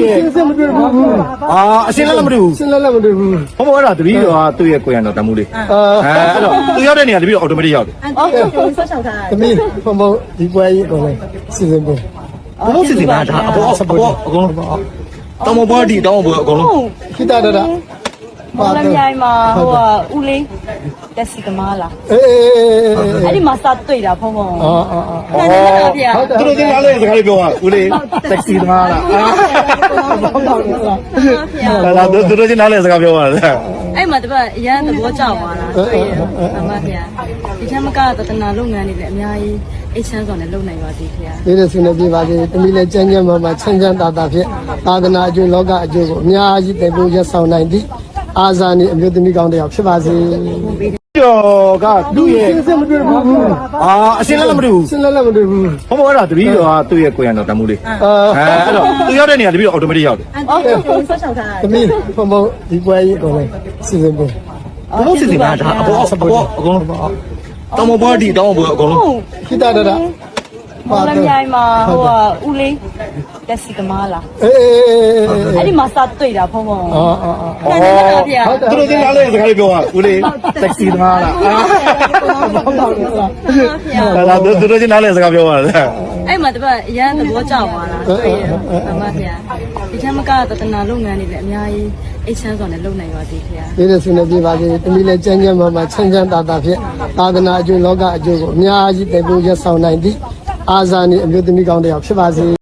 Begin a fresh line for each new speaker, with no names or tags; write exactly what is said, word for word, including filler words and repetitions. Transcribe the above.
ရဲ့အာအရှင်းလည်းမတွေ့ဘူး
ရှင်းလည်းမတွေ့ဘူး
ဟောဘောအဲ့ဒါတပီးတော့သူ့ရဲ့ကိုရံတော်တမှုလေးအဲအဲ့တော့သူရောက်တဲ့နေရာတပီးတော့အော်တိုမက်တစ်ရောက်တယ်
အော်ကိုဆော့ချောက်ထား
တမီးဘုံဘုံဒီပွဲကြီးကိုလည်းစီစဉ်ပေး
ဘုံစစ်စစ်မှာဒါအပေါ်အပေါ်အကုန်လုံးတောင်မပေါ်ဒီတောင်မပေါ်အကုန်လုံး
ခိတရတာ
မော်လမြိုင်မှာဟိုဦးလေးတက်စီသမားလား
အေးအေးအေး
အဲ့ဒီမှာစတွေ့တာဖုံဖုံ
အော်အော်အော်
ဟုတ်တယ်ဗျာ
သူတို့ကလည်းစကားလေးပြောတာဦးလေးတက်ဆီသမားလားအာဒါသူတို့ချင်းနားလဲစကားပြောတာလေ
အဲ့မှာတပတ်အရန်သဘောကျသွားတာတွေ့ရအမဗျာဒီထက်မကသတနာလုပ်ငန်းတွေလည်းအများကြီးအိတ်ချမ်းစွာနဲ့လုပ်နိုင်ပါသေးခင်ဗျာ
ဒီလိုဆွေးနွေးပြပါစေတမီးလည်းကြမ်းကြမ်းမှမှချမ်းချမ်းသာသာဖြင့်သာသနာအကျိုးလောကအကျိုးကိုအများကြီးတည်ဖို့ရဆောင်နိုင်သည့်အာဇာနည်အမျိုးသမီးကောင်းတစ်ယောက်ဖြစ်ပါစေ
ကျော်ကသူ့ရဲ့
ရှင်းမတွေ့ဘူး
အာအရှင်းလည်းမတွေ့ဘူး
ရှင်းလည်းမတွေ့ဘူး
ဟောဘောအဲ့ဒါတပီးတော့သူ့ရဲ့ကိုရံတော်တမှုလေး
အာ
အဲအဲ့တော့သူရောက်တဲ့နေရာတပီးတော့အော်တိုမက်တစ်ရောက်တယ်
အော်ကိုဆော့ချောက်ထား
တမီးဘုံဘုံဒီပွဲကြီးကိုလည်းစီစဉ်ပေး
ဘုံစစ်စစ်မှာဒါအပေါ်အပေါ်အကုန်လုံးတောင်မပေါ်ဒီတောင်မပေါ်အကုန်လုံး
ခိတရတာ
မော်လမြိုင်မှာဟိုဦးလေးတက်စီသမားလား
အေးအေးအေး
အဲ့ဒီမှာစတွေ့တာဖုံဖုံ
အော်အော်အော်
ဟုတ်တယ်ဗျာ
သူတို့ကလည်းစကားလေးပြောတာဦးလေးတက်ဆီသမားလားအာဒါသူတို့ချင်းနားလဲစကားပြောတာလေ
အဲ့မှာတပတ်အရန်သဘောကျသွားတာတွေ့ရအမဗျာဒီထက်မကသတနာလုပ်ငန်းတွေလည်းအများကြီးအိတ်ချမ်းစွာနဲ့လုပ်နိုင်ပါသေးခင်ဗျာ
ဒီလိုဆွေးနွေးပြပါစေတမီးလည်းကြမ်းကြမ်းမှမှချမ်းချမ်းသာသာဖြင့်သာသနာအကျိုးလောကအကျိုးကိုအများကြီးတည်ဖို့ရဆောင်နိုင်သည့်အာဇာနည်အမျိုးသမီးကောင်းတစ်ယောက်ဖြစ်ပါစေ